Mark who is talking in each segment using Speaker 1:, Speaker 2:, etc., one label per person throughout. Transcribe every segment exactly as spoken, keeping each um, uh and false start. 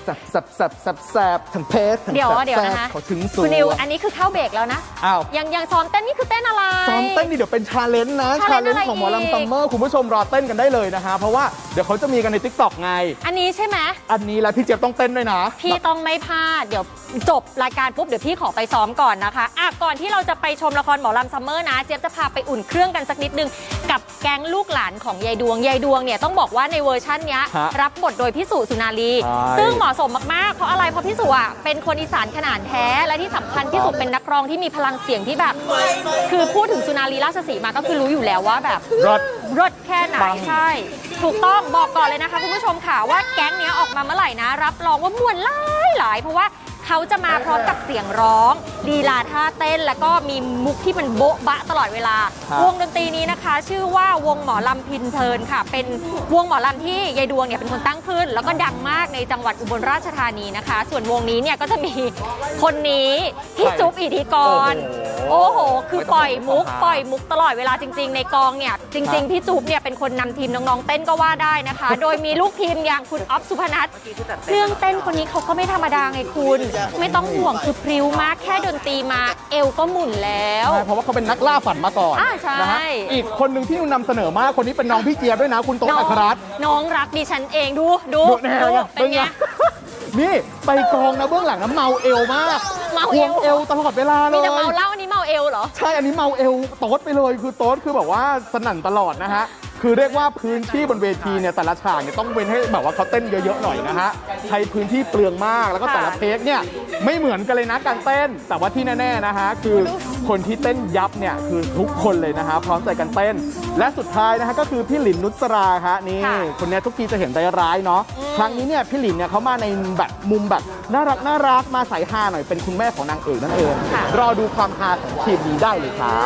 Speaker 1: แซบแซบแซบแซบแซบทั้งเพชรทั้ง
Speaker 2: เดี๋ยว
Speaker 1: แซบ
Speaker 2: เดี๋ยว
Speaker 1: แซบ
Speaker 2: นะคะ
Speaker 1: เขาถึงสู
Speaker 2: คุณนิวอันนี้คือเข้าเบรกแล้วนะ
Speaker 1: อ้าว
Speaker 2: ยังยังซ้อมเต้นนี่คือเต้นอะไร
Speaker 1: ซ้อมเต้นนี่เดี๋ยวเป็นชาเลนจ์นะชา
Speaker 2: challenge
Speaker 1: เลนจ์ของหมอ
Speaker 2: อะไรอี
Speaker 1: ลำ
Speaker 2: ก
Speaker 1: ซัมเมอร์คุณผู้ชมรอเต้นกันได้เลยนะฮะเพราะว่าเดี๋ยวเขาจะมีกันใน ติ๊กต็อก ไง
Speaker 2: อันนี้ใช่ไหม
Speaker 1: อันนี้แล้วพี่เจี๊ยบต้องเต้นด้วยนะ
Speaker 2: พี่ต้องไม่พลาดเดี๋ยวจบรายการปุ๊บเดี๋ยวพี่ขอไปซ้อมก่อนนะคะอ่ะก่อนที่เราจะไปชมละครหมอลำซัมเมอร์นะเจี๊ยบจะพาไปอุ่นเครื่องกันสักนิดนึงกับแก๊งลูกหลานของยายดวงยายดวงเนี่ยต้องบอกว่าในเวอร์ชันเนี้ย
Speaker 1: ฮะ
Speaker 2: รับบทโดยพี่สุสุนารี
Speaker 1: ใช่
Speaker 2: ซึ่งเหมาะสมมากๆเพราะอะไรเพราะพี่สุอ่ะเป็นคนอีสานขนาดแท้และที่สำคัญพี่สุเป็นนักร้องที่มีพลังเสียงที่แบบ คือพูดถึงสุนารีราชสีมาก็คือรู้อยู่แล้วว่าแบบ
Speaker 1: รถ
Speaker 2: รถแค่ไหน
Speaker 1: ปัง
Speaker 2: ใช่ ถูกต้องบอกก่อนเลยนะคะคุณผู้ชมค่ะว่าแก๊งเนี้ยออกมาเมื่อไหร่นะ รับรองว่ามวนหลายหลายเพราะว่าเขาจะมาพร้อมกับเสียงร้องลีลาท่าเต้น แล้วก็มีมุกที่มันโบ๊ะบะตลอดเวลา
Speaker 1: ครับ
Speaker 2: วงดนตรีนี้นะคะ ชื่อว่าวงหมอลำพินเพลินค่ะ เป็นวงหมอลำที่ยายดวงเนี่ยเป็นคนตั้งขึ้น แล้วก็ดังมากในจังหวัดอุบลราชธานีนะคะ ส่วนวงนี้เนี่ยก็จะมีคนนี้พี่จุ๊บอิทธิกร
Speaker 1: โอ้โห
Speaker 2: โอ้โห คือปล่อยมุก
Speaker 1: ไม่ต้อง
Speaker 2: ปล่อยมุกตลอดเวลาจริง ๆ ในกองเนี่ย จริง ๆ พี่จุ๊บเนี่ยเป็นคนนำทีมน้อง ๆ เต้นก็ว่าได้นะคะ โดยมีลูกทีมอย่างคุณอ๊อฟสุพนัทเครื่องเต้นคนนี้เขาก็ไม่ธรรมดาไงคุณ ไม่ต้องห่วงคือพริ้วมากแค่ดนตรีมาเอวก็หมุนแล้ว
Speaker 1: ใช่เพราะว่าเขาเป็นนักล่าฝันมาก่อน
Speaker 2: อ่าใช่
Speaker 1: นะฮะอีกคนหนึ่งที่นำเสนอมากคนนี้เป็นน้องพี่เจี๊ยบด้วยนะ คุณโต๊ะ
Speaker 2: น้อ
Speaker 1: อั
Speaker 2: ง
Speaker 1: ครรัตน์
Speaker 2: น้องรักดิฉันเองดูดู
Speaker 1: ดูแน่
Speaker 2: ดู
Speaker 1: ไง
Speaker 2: เป็นไง
Speaker 1: นี่ไปกองนะเบื้องหลังนะเมาเอวมาก
Speaker 2: เมา
Speaker 1: ค
Speaker 2: เอ
Speaker 1: ว
Speaker 2: ว
Speaker 1: งเอวตลอดเวลาเล
Speaker 2: มี
Speaker 1: ย
Speaker 2: แต่เมาเหล้าอันนี้เมาเอวเหรอ
Speaker 1: ใช่อันนี้เมาเอวโต๊ดไปเลยคือโต๊ดคือแบบว่าสนั่นตลอดนะฮะคือเรียกว่าพื้นที่บนเวทีเนี่ยแต่ละฉากเนี่ยต้องเว้นให้แบบว่าเขาเต้นเยอะๆหน่อยนะฮะใช้พื้นที่เปลืองมากแล้วก็แต่ละเทคเนี่ยไม่เหมือนกันเลยนะการเต้น แต่ว่าที่แน่ๆนะฮะคือคนที่เต้นยับเนี่ยคือทุกคนเลยนะฮะพร้อมใจกันเต้น และสุดท้ายนะฮะก็คือพี่หลินนุชราฮะนี่
Speaker 2: ค่ะ
Speaker 1: คนเนี้ยทุกทีจะเห็นใจร้ายเนาะครั้งนี้เนี่ยพี่หลินเนี่ยเขามาในแบบมุมแบบน่ารักน่ารักมาใส่ฮาหน่อยเป็นคุณแม่ของนางเอกนั่นเองรอดูความฮาของทีมนี้ได้เลยครับ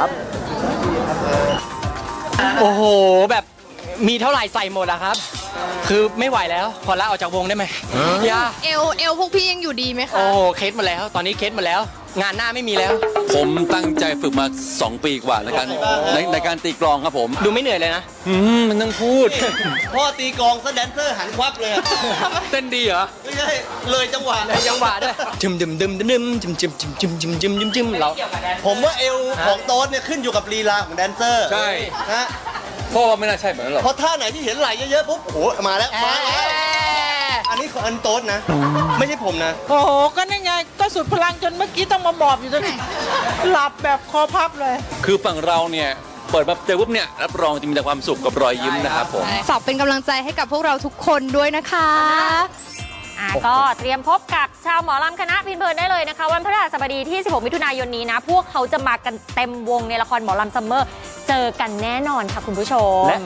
Speaker 3: โอ้โหแบบมีเท่าไหร่ใส่หมดอะครับ คือไม่ไหวแล้วขอลาออกจากวงได้ไหมย่า
Speaker 4: เอลเอลพวกพี่ยังอยู่ดีไหมคะ
Speaker 3: โอ้โหเคสหมาแล้ว ตอนนี้เคสหมาแล้ว งานหน้าไม่มีแล้ว
Speaker 5: ผมตั้งใจฝึกมา สอง ปีกว่าในการในในการตีกลองครับผม
Speaker 3: ดูไม่เหนื่อยเลยนะ
Speaker 5: อืมมันต้องพูด
Speaker 6: พ่อตีกลองซะแดนเซอร์หันควับเลยอะ
Speaker 5: เต้นดีเหรอ
Speaker 6: ไม่ใช่เลยจังหวะ
Speaker 3: เลยจังหวะด้วยจึมจึมจึมจึมจึมจึมจึมจึมจึมจึมจึมจึมเรา
Speaker 6: ผมว่าเอวของโต๊ดเนี่ยขึ้นอยู่กับลีลาของแดนเซอร์
Speaker 5: ใช่
Speaker 6: นะ
Speaker 5: พ่อว่าไม่น่าใช่แบบนั้นหรอก
Speaker 6: เพราะท่าไหนที่เห็นไหลเยอะๆปุ๊บโอ้โหมาแล้วมาแล้วอันนี้ของอันโต๊ดนะ ไม่ใช่ผมนะ
Speaker 7: โอ้โห ก็นั่นไง ก็สุดพลังจนเมื่อกี้ต้องมาหมอบอยู่ตรงนี้ หลับแบบคอพับเลย
Speaker 5: คือฝั่งเราเนี่ยเปิดมาเจอปุ๊บเนี่ยรับรองจะมีแต่ความสุขกับรอยยิ้มนะครับผม
Speaker 4: ฝากเป็นกำลังใจให้กับพวกเราทุกคนด้วยนะคะ
Speaker 2: อ่ะก็เตรียมพบกับชาวหมอลำคณะพินเพลินได้เลยนะคะ วันพฤหัสบดีที่ สิบหก มิถุนายนนี้นะ พวกเขาจะมากันเต็มวงในละครหมอลำซัมเมอร์ เจอกันแน่นอนค่ะคุณผู้ชม